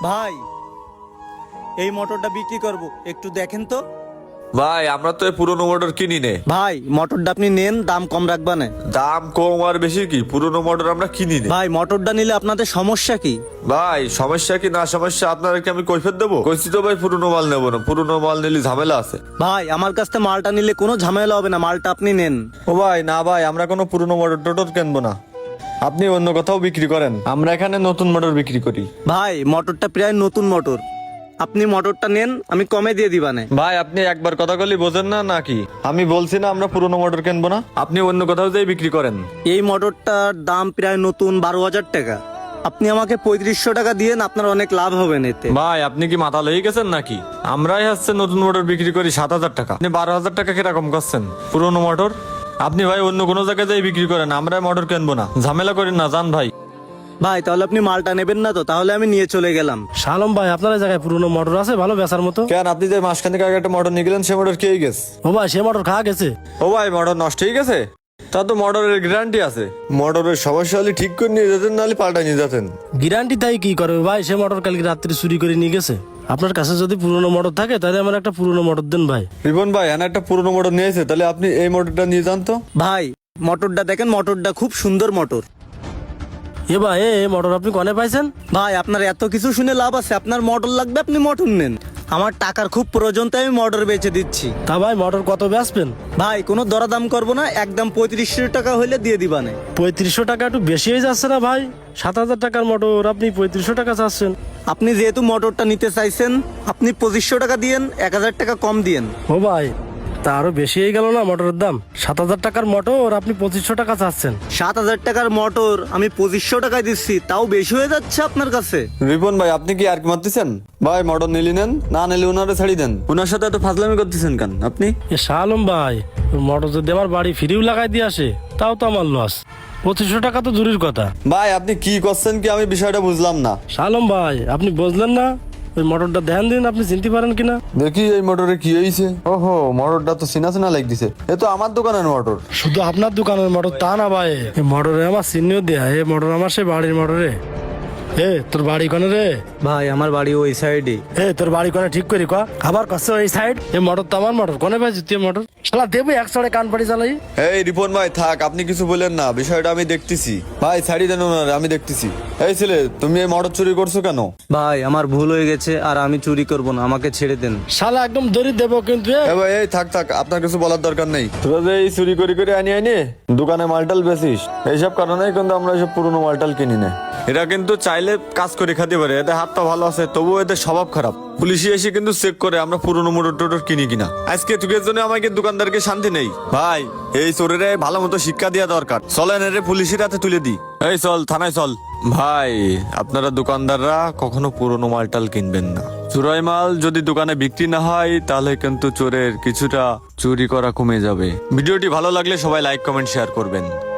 ভাই, এই মোটরটা বিক্রি করব, একটু দেখেন তো। ভাই আমরা তো এই পুরোনো মোটর কিনি নে। ভাই, মোটরটা আপনি নেন, দাম কম রাখবানে। দাম কম আর বেশি কি, পুরোনো মোটর আমরা কিনি নে। ভাই, মোটরটা নিলে আপনাদের সমস্যা কি? ভাই সমস্যা কি না সমস্যা আপনাদেরকে আমি কৈফিয়ত দেবো? কইছি তো ভাই পুরোনো মাল নেবো না, পুরোনো মাল নিলে ঝামেলা আছে। ভাই, আমার কাছ থেকে মালটা নিলে কোনো ঝামেলা হবে না, মালটা আপনি নেন। ও ভাই না ভাই, আমরা কোনো পুরোনো মোটর টোটর কিনবো না, আপনি অন্য কোথাও বিক্রি করেন, আমরা এখানে নতুন মোটর বিক্রি করি। ভাই, মোটরটা প্রায় নতুন মোটর, আপনি মোটরটা নেন, আমি কমে দিয়ে দিবানে। ভাই আপনি একবার কথা বলি বোঝেন না নাকি? আমি বলছি না আমরা পুরোনো মোটর কিনবো না, আপনি অন্য কোথাও যাই বিক্রি করেন। এই মোটরটার দাম প্রায় নতুন 12,000 টাকা, আপনি আমাকে 3500 টাকা দিয়েন, আপনার অনেক লাভ হবে এতে। ভাই আপনি কি মাথা লেগে গেছেন নাকি? আমরাই হচ্ছে নতুন মোটর বিক্রি করি 7,000 টাকা, আপনি 12,000 টাকা কিরকম করছেন পুরোনো মোটর? আপনি ভাই অন্য কোনো জায়গায় যাই বিক্রি করেন, আমরা মোটর কিনবো না, ঝামেলা করেন না, যান ভাই। ভাই, তাহলে আপনি মালটা নেবেন না তো? তাহলে আমি নিয়ে চলে গেলাম। শালম ভাই, আপনার এই জায়গায় পুরনো মোটর আছে ভালো বেচার মতো? কেন আপনি যে মাসখানেক আগে একটা মোটর নিয়ে গেলেন, সে মোটর খেয়ে গেছে? ও ভাই, সে মোটর খাওয়া গেছে। ও ভাই মোটর নষ্ট হয়ে গেছে? তা তো মোটরের গ্যারান্টি আছে, মোটরের সমস্যা হলে ঠিক করে নিয়ে যেতেন, নাহলে পাল্টা নিয়ে যেতেন। গ্যারান্টি তাই কি করবে ভাই, সে মোটর কালকে রাত্রি চুরি করে নিয়ে গেছে। আপনার কাছে যদি পুরনো মোটর থাকে তাহলে আমার একটা পুরনো মোটর দেন ভাই। রিপন ভাই এনে একটা পুরোনো মোটর নিয়েছে, তাহলে আপনি এই মোটরটা নিয়ে যান তো। ভাই, মোটরটা দেখেন, মোটরটা খুব সুন্দর মোটর। এ ভাই, এ মোটর আপনি কনে পাইছেন? ভাই, আপনার এত কিছু শুনে লাভ আছে? আপনার মোটর লাগবে, আপনি মোটর নেন। আমার টাকার খুব প্রয়োজন, তাই আমি মোটর বেচে দিচ্ছি। তা ভাই মোটর কত বেচবেন? ভাই, কোনো দরদাম করবো না, একদম 3500 টাকা হইলে দিয়ে দিবানে। 3500 টাকা একটু বেশি হয়ে যাচ্ছে না ভাই? 7,000 টাকার মোটর আপনি 3500 টাকা চাচ্ছেন? আপনি যেহেতু মোটরটা নিতে চাইছেন, আপনি 2500 টাকা দিয়েন, 1000 টাকা কম দিয়েন। ও ভাই, তা আরো বেশি হয়ে গেল না মোটরের দাম? 7,000 টাকার মোটর আপনি 2500 টাকা চাচ্ছেন? 7000 টাকার মোটর আমি 2500 টাকায় দিচ্ছি, তাও বেশি হয়ে যাচ্ছে আপনার কাছে। রিপন ভাই আপনি কি আর কি মারতেছেন? ভাই মোটর নিলি নেন, না নিলে ওনারে ছাড়ি দেন। ওনার সাথে এত ফাজলামি করতেছেন কেন আপনি? এ শালম ভাই, মোটর যদি আমার বাড়ি ফিরিও লাগাই দিয়ে আসে তাও তো আমার লস। 2500 টাকা তো দূরের কথা। ভাই আপনি কি করছেন কি, আমি বিষয়টা বুঝলাম না। শালম ভাই, আপনি বুঝলেন না? ওই মোটরটা ধ্যান দিন, আপনি চিনতে পারেন কিনা। দেখি এই মোটরে কি হয়েছে। ওহো, মোটরটা তো চিনা চিনা লাগ দিছে, এ তো আমার দোকানের মোটর। শুধু আপনার দোকানের মোটর তা না ভাই, এই মোটরে আমার চিহ্ন দেয়া, এই মোটর আমার সে বাড়ির মোটরে। এ তোর বাড়ি কোনে রে? ভাই, আমার বাড়ি ওই সাইডে। এ তোর বাড়ি কোনে ঠিক করি ক, আবার কষ্ট এই সাইড। এই মোটর তো আমার মোটর, কোনে পাইছিস তুই মোটর? শালা দেবে একসাথে কান পাড়ি চালাই। এই রিপন ভাই থাক, আপনি কিছু বলেন না, বিষয়টা আমি দেখতেছি। ভাই ছাড়ি দেন ওনারে, আমি দেখতেছি। এই ছেলে, তুমি এই মোটর চুরি করছো কেন? ভাই, আমার ভুল হয়ে গেছে, আর আমি চুরি করব না, আমাকে ছেড়ে দেন। শালা একদম দড়ি দেবো কিন্তু। এ ভাই এই থাক থাক, আপনার কিছু বলার দরকার নেই। তোরা যে এই চুরি করে করে আনি আনি দোকানে মালটাল বেচিস, এইসব কারণে কিন্তু আমরা এইসব পুরনো মালটাল কিনি না। এরা কিন্তু চাইলে কাজ করে খেতে পারে, এদের হাতটা ভালো আছে, তবুও এদের স্বভাব খারাপ। পুলিশে এসে কিন্তু চেক করে আমরা পুরনো মোটর টোটর কিনি কিনা। আজকে তুকের জন্য আমাকে দোকানদারকে শান্তি নেই। ভাই এই চোরেরে ভালো মতো শিক্ষা দেওয়া দরকার, চলেন এর পুলিশের হাতে তুলে দি। এই চল থানায় চল। ভাই আপনারা দোকানদাররা কখনো পুরনো মালটাল কিনবেন না, চোরাই মাল যদি দোকানে বিক্রি না হয় তাহলে কিন্তু চোরের কিছুটা চুরি করা কমে যাবে। ভিডিওটি ভালো লাগলে সবাই লাইক কমেন্ট শেয়ার করবেন।